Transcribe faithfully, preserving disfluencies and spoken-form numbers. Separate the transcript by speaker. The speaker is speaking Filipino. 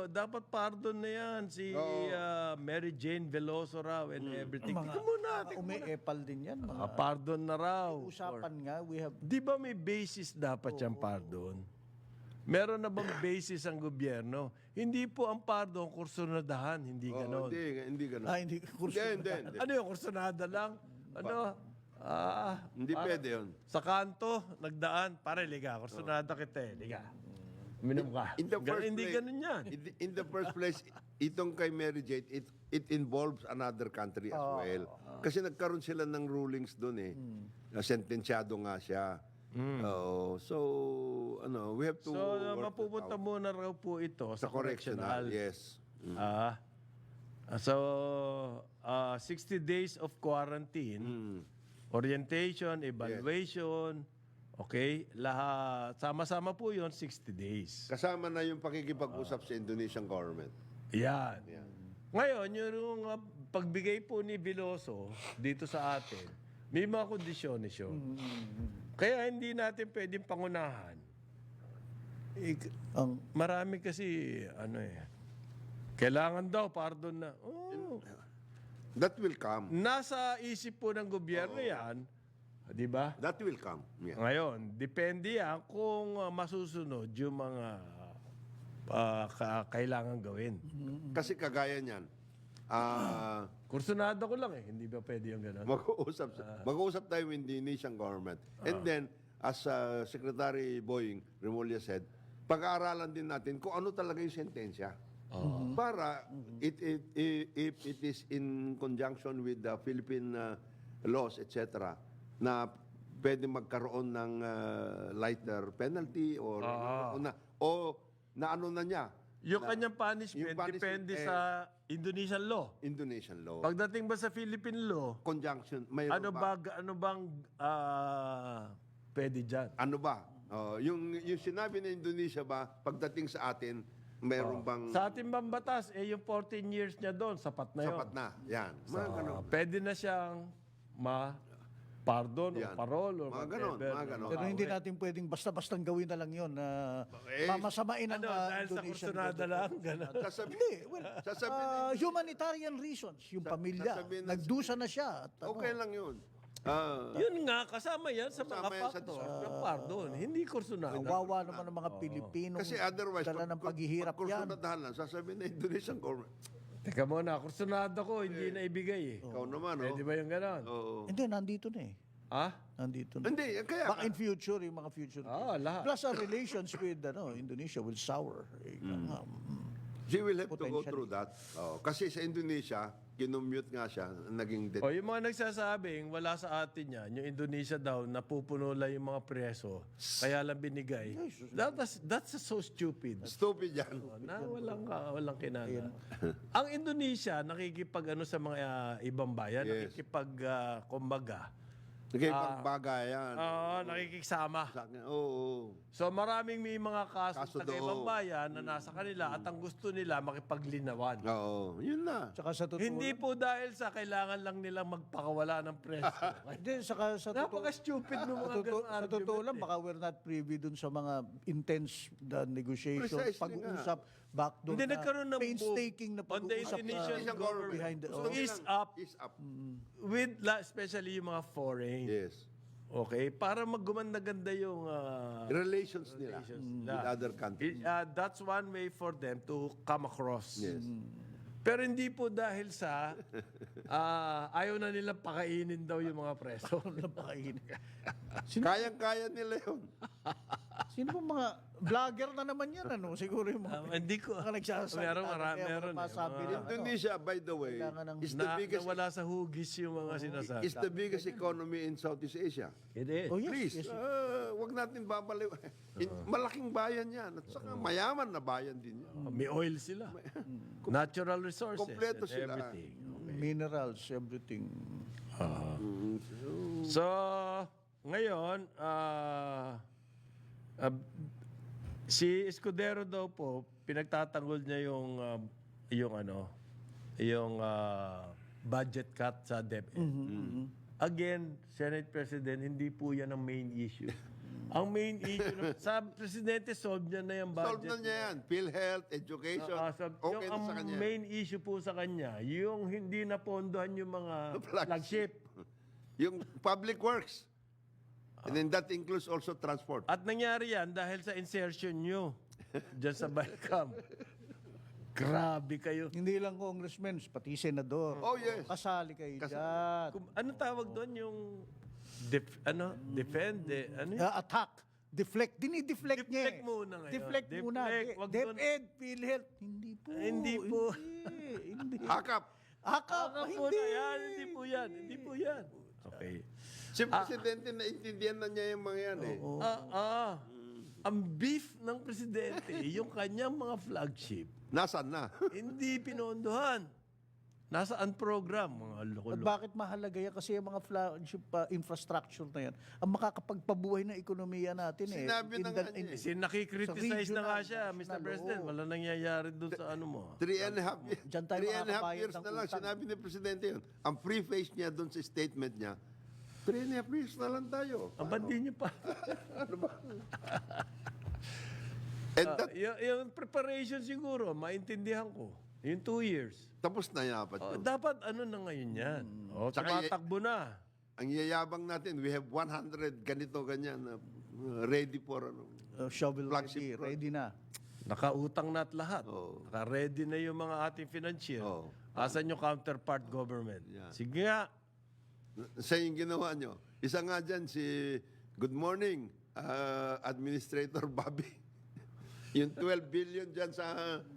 Speaker 1: dapat pardon na yan. Si
Speaker 2: Oo.
Speaker 1: ah, Mary Jane Veloso raw and everything. Tingnan mo natin.
Speaker 3: Umi-epal din yan. Mga
Speaker 1: Ah, pardon na raw.
Speaker 3: usapan nga, we have...
Speaker 1: Di ba may basis dapat yung pardon? Meron na bang basis ang gobyerno? Hindi po ang pardon kursunadahan, hindi
Speaker 2: Oo,
Speaker 1: ganon.
Speaker 2: hindi, hindi ganon.
Speaker 3: Ah, hindi kurso.
Speaker 2: Hindi, hindi, hindi.
Speaker 1: Ano yung kursunada lang? Ano? Ah,
Speaker 2: Hindi pwede yun.
Speaker 1: sa kanto, nagdaan, pare, liga, kursunada kita eh, liga. Uminom ka.
Speaker 2: In the
Speaker 1: Gan-
Speaker 2: first
Speaker 1: hindi
Speaker 2: place,
Speaker 1: ganun yan.
Speaker 2: In the, in the first place, itong kay Mary Jane, it, it involves another country as well. Kasi nagkaroon sila ng rulings doon eh. Na sentensyado nga siya. Oo. So, ano, we have to
Speaker 1: So, uh,
Speaker 2: work
Speaker 1: mapupunta
Speaker 2: that out.
Speaker 1: muna raw po ito
Speaker 2: sa
Speaker 1: sa
Speaker 2: correctional.
Speaker 1: correctional.
Speaker 2: Yes.
Speaker 1: Ah. Ah, so, ah, sixty days of quarantine,
Speaker 2: Mm.
Speaker 1: orientation, evaluation, okay, lahat, sama-sama po yon sixty days.
Speaker 2: Kasama na yung pakikipag-usap sa Indonesian government.
Speaker 1: Yan. Ngayon, yung uh, pagbigay po ni Veloso dito sa atin, may mga kondisyones yun. Kaya hindi natin pwedeng pangunahan. Ik-
Speaker 3: Ang,
Speaker 1: marami kasi, ano eh, kailangan daw, pardon na. Oh,
Speaker 2: That will come.
Speaker 1: nasa isip po ng gobyerno yan, di ba?
Speaker 2: That will come. Yeah.
Speaker 1: Ngayon, depende yan kung uh, masusunod yung mga uh, ka- kailangan gawin.
Speaker 2: Kasi kagaya niyan, ah,
Speaker 1: Kursunada ko lang eh, hindi ba pwede yung gano'n?
Speaker 2: mag-uusap, mag-uusap tayo with the Indonesian government. And then, as uh, Secretary Boying Remulla said, pag-aaralan din natin kung ano talaga yung sentensya. Para it, it, i- if it is in conjunction with the Philippine uh, laws, et cetera, na pwede magkaroon ng uh, lighter penalty or, o, na, o na ano na niya,
Speaker 1: Yung kanyang punishment,
Speaker 2: yung punishment,
Speaker 1: depende
Speaker 2: eh,
Speaker 1: sa Indonesian law.
Speaker 2: Indonesian law.
Speaker 1: Pagdating ba sa Philippine law,
Speaker 2: Conjunction, mayroon
Speaker 1: ano ba, ano bang ah, pwede dyan?
Speaker 2: Ano ba? Oh, yung yung sinabi ng Indonesia ba pagdating sa atin, mayroon bang
Speaker 1: Sa ating bang batas, eh yung fourteen years niya doon, sapat na yun.
Speaker 2: sapat na? Yan. Mga ganun.
Speaker 1: Ah, pwede na siyang ma-pardon o
Speaker 2: Yan.
Speaker 1: parol or
Speaker 2: Mga ganon,
Speaker 1: whatever.
Speaker 2: mga ganon.
Speaker 3: pero hindi natin pwedeng basta-bastang gawin na lang yun na
Speaker 2: Eh,
Speaker 3: mamasamain ang
Speaker 1: Ano,
Speaker 3: uh,
Speaker 1: dahil sa
Speaker 3: Indonesian
Speaker 1: kursunada
Speaker 3: government.
Speaker 1: lang, gano'n.
Speaker 2: Sasabi,
Speaker 3: Hindi, well,
Speaker 2: sasabihin,
Speaker 3: uh, humanitarian reasons. Yung pamilya,
Speaker 2: sasabihin na-
Speaker 3: nagdusa na siya. At, ano,
Speaker 2: okay lang yun. Ah,
Speaker 1: Yun nga, kasama yan sa mga
Speaker 2: Kasama yan sa
Speaker 1: factor ng pardon. Hindi kursunada.
Speaker 3: kawawa naman ng mga Pilipino.
Speaker 2: kasi otherwise,
Speaker 3: dala ng
Speaker 2: pag-
Speaker 3: paghihirap
Speaker 2: pag
Speaker 3: yan.
Speaker 2: kursunadahan lang, sasabihin ng Indonesian government,
Speaker 1: Teka muna, kursunada ko, hindi na ibigay eh.
Speaker 2: ikaw naman,
Speaker 1: Pwede
Speaker 2: oh.
Speaker 1: ba yung gano'n?
Speaker 2: Oo.
Speaker 3: Hindi, nandito na eh.
Speaker 1: Ah?
Speaker 3: Nandito na.
Speaker 2: Hindi, kaya,
Speaker 3: Baka in future, yung mga future.
Speaker 1: Ah, lahat.
Speaker 3: Plus our relations with ano, Indonesia will sour. Eh, nga, mm.
Speaker 2: she will have to go
Speaker 3: Potentially.
Speaker 2: through that. Oh, kasi sa Indonesia, kinumute nga siya, naging dead.
Speaker 1: O yung mga nagsasabing wala sa atin yan, yung Indonesia daw, napupuno lang yung mga preso, kaya lang binigay. That, that's, that's so stupid.
Speaker 2: Stupid yan.
Speaker 1: Na walang, ka- walang kinana. Ang Indonesia, nakikipag ano sa mga ah, ibang bayan,
Speaker 2: Yes.
Speaker 1: nakikipag, ah, kumbaga,
Speaker 2: Naging pagbagayan.
Speaker 1: oo, nakikisama.
Speaker 2: Sa akin, oo. oo.
Speaker 1: So maraming may mga kaso,
Speaker 2: Kaso
Speaker 1: sa ibang
Speaker 2: doon.
Speaker 1: bayan na nasa kanila at ang gusto nila makipaglinawan.
Speaker 2: Oo, yun na.
Speaker 3: Tsaka sa totoo,
Speaker 1: Hindi po dahil sa kailangan lang nilang magpakawala ng preso.
Speaker 3: hindi, saka sa totoo,
Speaker 1: Napaka-stupid ng mga
Speaker 3: sa totoo,
Speaker 1: ganung
Speaker 3: sa totoo
Speaker 1: argument
Speaker 3: lang,
Speaker 1: eh.
Speaker 3: baka we're not privy dun sa mga intense the negotiations,
Speaker 2: Precisely
Speaker 3: pag-uusap, backdoor
Speaker 1: Hindi
Speaker 3: na,
Speaker 1: nagkaroon ng
Speaker 3: painstaking na
Speaker 1: move on the
Speaker 3: pag-uusap
Speaker 1: Indonesian
Speaker 3: na
Speaker 2: government.
Speaker 3: behind the...
Speaker 2: Gusto
Speaker 3: oh.
Speaker 1: Ease
Speaker 2: nilang-
Speaker 1: up.
Speaker 2: Ease up.
Speaker 1: With, la- especially yung mga foreign.
Speaker 2: Yes.
Speaker 1: Okay? Para maggumanda-ganda yung ah,
Speaker 2: Relations nila
Speaker 1: relations
Speaker 2: with
Speaker 1: nila.
Speaker 2: other countries.
Speaker 1: It- ah, that's one way for them to come across.
Speaker 2: Yes.
Speaker 1: Pero hindi po dahil sa ah, ayaw na nilang pakainin daw yung mga preso.
Speaker 3: Napakain.
Speaker 2: Kayang-kaya nila yun.
Speaker 3: Sino ba mga vlogger na naman yan, ano? Siguro yung mga,
Speaker 1: Ah, hindi ko.
Speaker 3: mga nagsasalita.
Speaker 1: Meron, mara-
Speaker 3: kaya
Speaker 1: meron eh,
Speaker 3: masabi
Speaker 1: mga-
Speaker 3: rin, ano,
Speaker 2: Indonesia, by the way,
Speaker 3: Kailangan ng-
Speaker 2: is the
Speaker 1: Na,
Speaker 2: biggest
Speaker 1: nawala sa hugis yung mga sinasabi.
Speaker 2: is the biggest economy in Southeast Asia.
Speaker 1: It is.
Speaker 3: Oh, yes,
Speaker 2: Please,
Speaker 3: yes.
Speaker 2: uh, wag natin babaliw. In- Malaking bayan yan. At saka mayaman na bayan din yan.
Speaker 1: May oil sila. Natural resources
Speaker 2: Kompleto
Speaker 1: and
Speaker 2: sila.
Speaker 1: everything.
Speaker 3: Minerals, everything.
Speaker 1: So, ngayon, ah, ah, si Escudero daw po, pinagtatanggol niya yung, ah, yung ano, yung ah, budget cut sa DepEd. Again, Senate President, hindi po yan ang main issue. Ang main issue, ng- sa presidente, solve niya na yung
Speaker 2: Solve
Speaker 1: budget.
Speaker 2: na niya yan. PhilHealth, education,
Speaker 1: Ah, sa-
Speaker 2: okay
Speaker 1: yung,
Speaker 2: na sa
Speaker 1: ang
Speaker 2: kanya.
Speaker 1: main issue po sa kanya, yung hindi napondohan yung mga
Speaker 2: Flagship.
Speaker 1: flagship.
Speaker 2: Yung public works. And then that includes also transport.
Speaker 1: At nangyari yan dahil sa insertion nyo dyan sa Balcom. Grabe kayo.
Speaker 3: Hindi lang congressmen, pati senador.
Speaker 2: Oh, yes.
Speaker 3: Kasali kayo
Speaker 2: Kas-
Speaker 3: dyan.
Speaker 1: Kung, ano tawag doon yung def- ano, defend, eh, ano yun?
Speaker 3: Ah, attack. Deflect. Dinideflect niya.
Speaker 1: Deflect
Speaker 3: eh.
Speaker 1: muna ngayon.
Speaker 3: Deflect muna.
Speaker 1: Deflect.
Speaker 3: De-
Speaker 1: Wag
Speaker 3: DepEd,
Speaker 1: doon-
Speaker 3: PhilHealth. Hindi po.
Speaker 1: Hindi po.
Speaker 3: Hindi. hindi.
Speaker 2: Hakap.
Speaker 3: Akap.
Speaker 1: Baka po
Speaker 3: Hindi.
Speaker 1: na yan, hindi po yan, hindi po yan. Okay.
Speaker 2: Si Presidente, naintindihan na niya yung mga yan eh.
Speaker 1: Ah, ah. Ang beef ng presidente, yung kanyang mga flagship,
Speaker 2: Nasaan na?
Speaker 1: hindi pinondohan. Nasaan program, mga
Speaker 3: At
Speaker 1: loko-loko.
Speaker 3: bakit mahalaga yan? Kasi yung mga flagship uh, infrastructure na yan, ang makakapagpabuhay ng ekonomiya natin eh.
Speaker 2: Sinabi na
Speaker 3: In
Speaker 2: nga
Speaker 3: the-
Speaker 2: niya
Speaker 3: in-
Speaker 2: eh.
Speaker 1: Kasi nakikriticize na nga siya,
Speaker 3: regional,
Speaker 1: Mister President.
Speaker 3: oo.
Speaker 1: Wala nangyayari doon sa ano mo.
Speaker 2: Three and a half, years,
Speaker 3: Diyan tayo
Speaker 2: three and a half
Speaker 3: makakabayad
Speaker 2: years
Speaker 3: ng
Speaker 2: na lang.
Speaker 3: utang.
Speaker 2: Sinabi ni Presidente yun. Ang preface niya doon sa statement niya, three and a half years na lang tayo.
Speaker 1: Ang bandi niyo pa.
Speaker 2: And
Speaker 1: Ah,
Speaker 2: that,
Speaker 1: yung, yung preparation siguro, maintindihan ko. Yung two years.
Speaker 2: tapos na yapat
Speaker 1: Oh,
Speaker 2: yun.
Speaker 1: dapat ano na ngayon yan. Oh,
Speaker 2: Tsaka y-
Speaker 1: tumatakbo na.
Speaker 2: Ang yayabang natin, we have one hundred ganito, ganyan, na uh, ready for ano.
Speaker 3: uh, shovel
Speaker 2: Flagship
Speaker 3: ready,
Speaker 2: road.
Speaker 3: ready na.
Speaker 1: Nakautang na at lahat.
Speaker 2: Oo.
Speaker 1: Naka-ready na yung mga ating financier.
Speaker 2: Oo.
Speaker 1: Asan yung counterpart government?
Speaker 2: Yan.
Speaker 1: Sige nga.
Speaker 2: Sa yung ginawa nyo. Isa nga dyan si, good morning, uh, Administrator Bobby. Yung twelve billion dyan sa